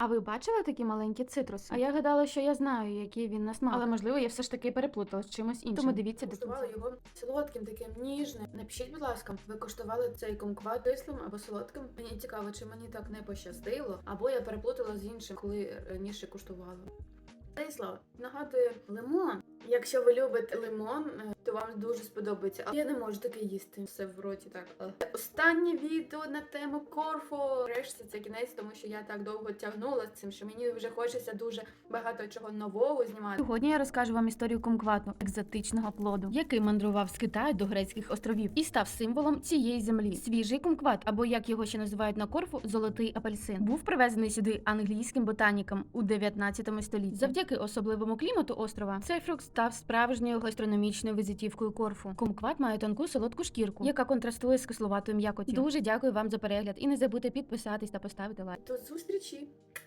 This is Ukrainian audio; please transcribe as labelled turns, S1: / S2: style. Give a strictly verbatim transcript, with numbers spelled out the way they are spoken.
S1: А ви бачили такі маленькі цитруси? А я гадала, що я знаю, який він на смак. Але можливо, я все ж таки переплутала з чимось іншим. Тому дивіться до
S2: Куштували
S1: кінця.
S2: його солодким, таким ніжним. Напишіть, будь ласка, ви куштували цей кумкват кислим або солодким? Мені цікаво, чи мені так не пощастило, або я переплутала з іншим, коли раніше куштувала. Кисло нагадує лимон. Якщо ви любите лимон, то вам дуже сподобається. Але я не можу таке їсти. Все в роті так. Але останнє відео на тему Корфу. Врешті це кінець, тому що я так довго тягнула з цим, що мені вже хочеться дуже багато чого нового знімати.
S1: Сьогодні я розкажу вам історію кумквату, екзотичного плоду, який мандрував з Китаю до грецьких островів і став символом цієї землі. Свіжий кумкват, або як його ще називають на Корфу, золотий апельсин, був привезений сюди англійським ботаніком у дев'ятнадцятому столітті. Завдяки особливому клімату острова цей фрукт став справжньою гастрономічною візитівкою Корфу. Кумкват має тонку солодку шкірку, яка контрастує з кисловатою м'якоттю. Дуже дякую вам за перегляд і не забудьте підписатись та поставити лайк.
S2: До зустрічі!